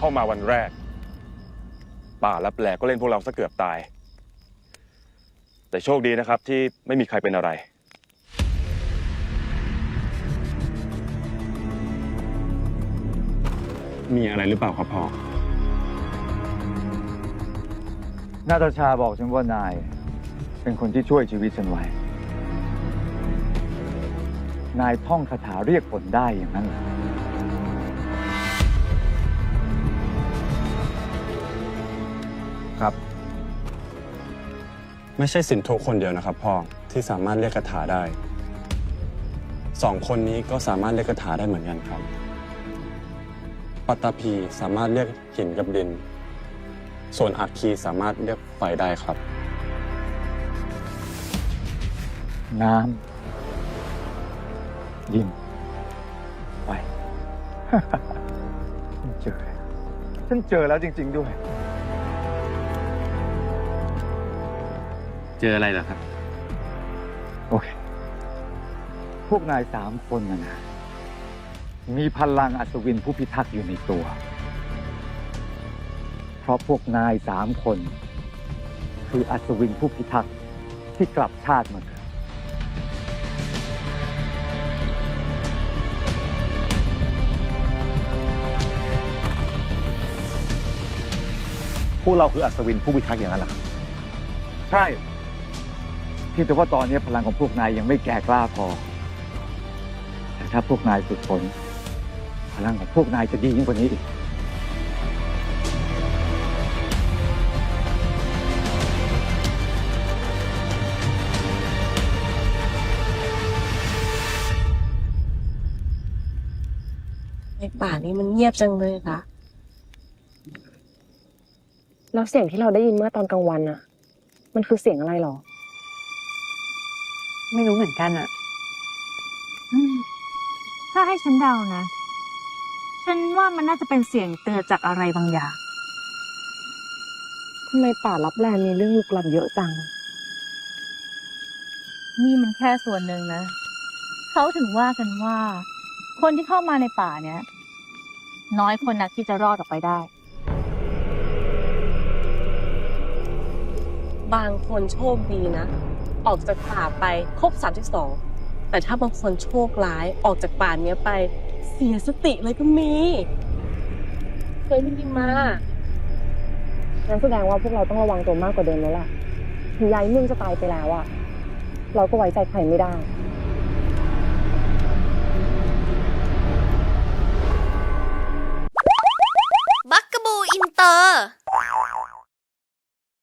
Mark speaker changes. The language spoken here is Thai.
Speaker 1: เข้ามาวันแรกป่าลับแลก็เล่นพวกเราซะเกือบตายแต่โชคดีนะครับที่ไม่มีใครเป็นอะไร
Speaker 2: มีอะไรหรือเปล่าครับพ่อ
Speaker 3: นาตาชาบอกฉันว่านายเป็นคนที่ช่วยชีวิตฉันไว้นายท่องคาถาเรียกฝนได้อย่างนั้นเหรอ
Speaker 2: ครับไม่ใช่สินโทคนเดียวนะครับพ่อที่สามารถเรียกคาถาได้2 คนนี้ก็สามารถเรียกคาถาได้เหมือนกันครับปัตตภีสามารถเรียกหินกับดินส่วนอัคคีสามารถเรียกไฟได้ครับ
Speaker 3: น้ำดินไฟ ฉันเจอแล้วจริงๆด้วย
Speaker 4: เจออะไรเหรอครับ
Speaker 3: โอเคพวกนาย3 คนนะมีพลังอัศวินผู้พิทักษ์อยู่ในตัวเพราะพวกนาย3 คนคืออัศวินผู้พิทักษ์ที่กลับชาติมาเกิด
Speaker 5: พวกเราคืออัศวินผู้พิทักษ์อย่างนั้นเหรอครับ
Speaker 3: ใช่เพียงแต่ว่าตอนนี้พลังของพวกนายยังไม่แก่กล้าพอแต่ถ้าพวกนายฝึกฝนพลังของพวกนายจะดียิ่งกว่านี้อีก
Speaker 6: ในป่านี้มันเงียบจังเลยค่ะ
Speaker 7: แล้วเสียงที่เราได้ยินเมื่อตอนกลางวันอะมันคือเสียงอะไรหรอ
Speaker 8: ไม่รู้เหมือนกันอะถ้าให้ฉันเดานะ ฉันว่ามันน่าจะเป็นเสียงเตือนจากอะไรบางอย่าง
Speaker 7: ทำไมป่าลับแลมีเรื่องลึกลับเยอะจัง
Speaker 8: นี่มันแค่ส่วนหนึ่งนะ เขาถึงว่ากันว่า คนที่เข้ามาในป่าเนี้ยน้อยคนนักที่จะรอดออกไปได้
Speaker 6: บางคนโชคดีนะออกจากป่าไปครบ32แต่ถ้าบางคนโชคร้ายออกจากป่านี้ไปเสียสติเลยก็มีเคยได้ยินมา
Speaker 7: งั้นแสดงว่าพวกเราต้องระวังตัวมากกว่าเดิมแล้วล่ะถึงยายนุ่นจะตายไปแล้วอะเราก็ไว้ใจใครไม่ได้